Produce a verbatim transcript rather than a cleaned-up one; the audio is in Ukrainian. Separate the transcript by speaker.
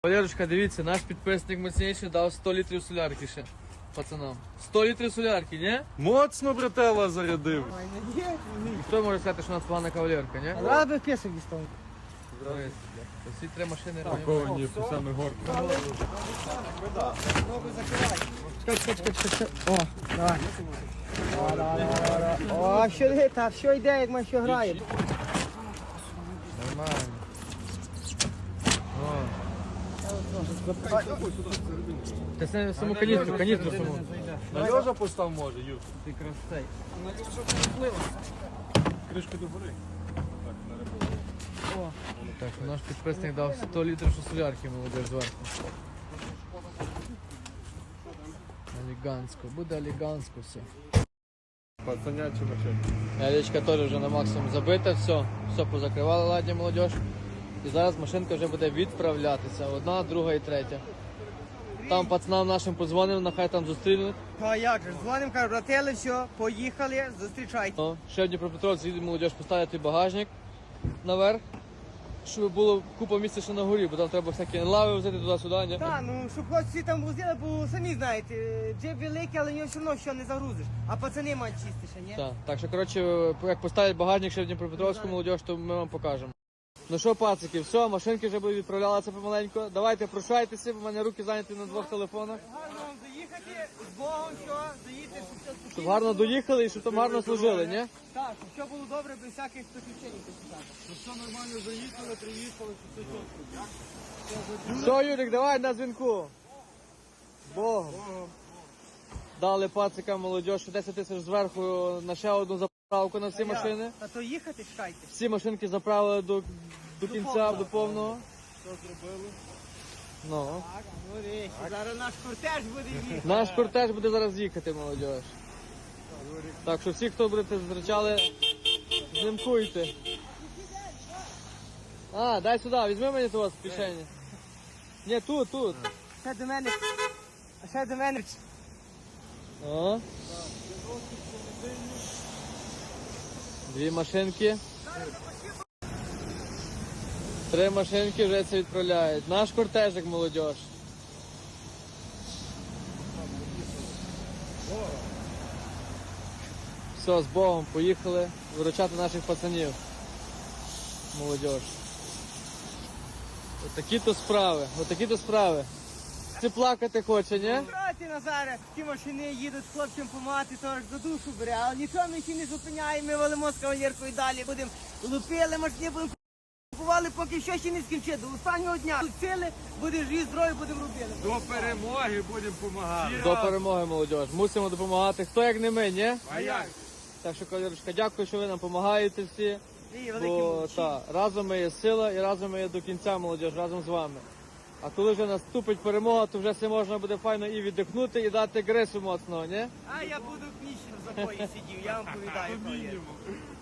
Speaker 1: Валерочка, дивіться, наш підписник мощніший дав сто літрів солярки ще пацанам. сто літрів солярки, ні?
Speaker 2: Моцно братела зарядив.
Speaker 1: І хто може сказати, що у нас погана кавалерка, ні?
Speaker 3: Рад би пісок дістав.
Speaker 1: Дивись, Всі три машини робимо.
Speaker 2: Повні по саме горки.
Speaker 3: Чекай, чекай, чекай, чекай. О, давай. О, давай, давай, давай. О, що йде, та що йде, як ми що граємо.
Speaker 1: Нормально. О. Та це саму каністру, каністру саму.
Speaker 2: На Льожа постав може, Юр.
Speaker 1: Ти красавець.
Speaker 2: Кришку до гори.
Speaker 3: О,
Speaker 1: Так, наш підписник дав сто літрів солярки, молодець, зверху. Елегантсько, буде елегантсько все.
Speaker 2: Пацанячі машини.
Speaker 1: Ялечка теж вже на максимум забита, все, все позакривали, ладні молодіж. І зараз машинка вже буде відправлятися, одна, друга і третя. Там пацанам нашим подзвонив, нехай там зустрінуть.
Speaker 3: а як же, дзвоним, кажу, братели, все, поїхали, зустрічайте.
Speaker 1: О, ще в Дніпропетровськ їде молодіж поставити багажник наверх, щоб було купа місця ще на горі, бо там треба всякі лави взяти туди-сюди, ні?
Speaker 3: Так, ну, щоб хлопці там возили, бо самі знаєте, джеб великий, але в нього все одно що не загрузиш. А пацани мають чистіше, ні?
Speaker 1: Так, так що, коротше, як поставить багажник ще в Дніпропетровську молодіж, то ми вам покажемо. Ну що, пацики, все, машинки вже будуть відправлятися помаленьку. Давайте прощайтеся, бо в мене руки зайняті на двох телефонах.
Speaker 3: Гарно вам заїхати, з Богом, що, заїдьте, щоб все спокійно.
Speaker 1: Щоб гарно доїхали і щоб там гарно служили, ні?
Speaker 3: Так, щоб все було добре, без всяких приключень.
Speaker 2: Ну все нормально заїхали, приїхали, що все чітко.
Speaker 1: Все, Юрик, давай на дзвінку. Богом. Дали пацикам молодіж десять тисяч зверху на ще одну заправку на всі машини.
Speaker 3: Та то їхати, чекайте.
Speaker 1: Всі машинки заправили до, до кінця, до повного.
Speaker 2: Що зробили?
Speaker 1: Ну.
Speaker 3: Так, ну речі, зараз наш кортеж буде їхати.
Speaker 1: Наш кортеж буде зараз їхати, молодіж. Так що всі, хто будете зустрічали, знімкуйте. А, дай сюди, візьми мені того з кишені. Ні, тут, тут.
Speaker 3: Ще до мене, а ще до мене.
Speaker 1: О. Дві машинки. Три машинки вже це відправляють. Наш кортежик, молодіж. Все, з Богом, поїхали виручати наших пацанів. Молодіж. Отакі-то справи, отакі-то справи. Ти плакати хоче, ні?
Speaker 3: Проти Назаре, ті машини їдуть хлопцям помагати, торг за душу бере, але нічого ми ще не зупиняємо, ми валимо з кавалеркою далі, будемо лупили машини, будемо купували, поки що ще не скінчить, до останнього дня. Лупили, буде живі, здорові, будемо робити.
Speaker 2: До перемоги будемо допомагати.
Speaker 1: До перемоги, молодіж. Мусимо допомагати. Хто як не ми, ні?
Speaker 2: А як?
Speaker 1: Так що, кавалерочка, дякую, що ви нам допомагаєте всі.
Speaker 3: І великі
Speaker 1: Бо
Speaker 3: молодці.
Speaker 1: та, разом ми є сила і разом ми є до кінця, молодіж, разом з вами. А коли вже наступить перемога, то вже все можна буде файно і віддихнути, і дати грису моцного, ні?
Speaker 3: А я буду в книжці в запої сидів, я вам повідаю. кавалерка.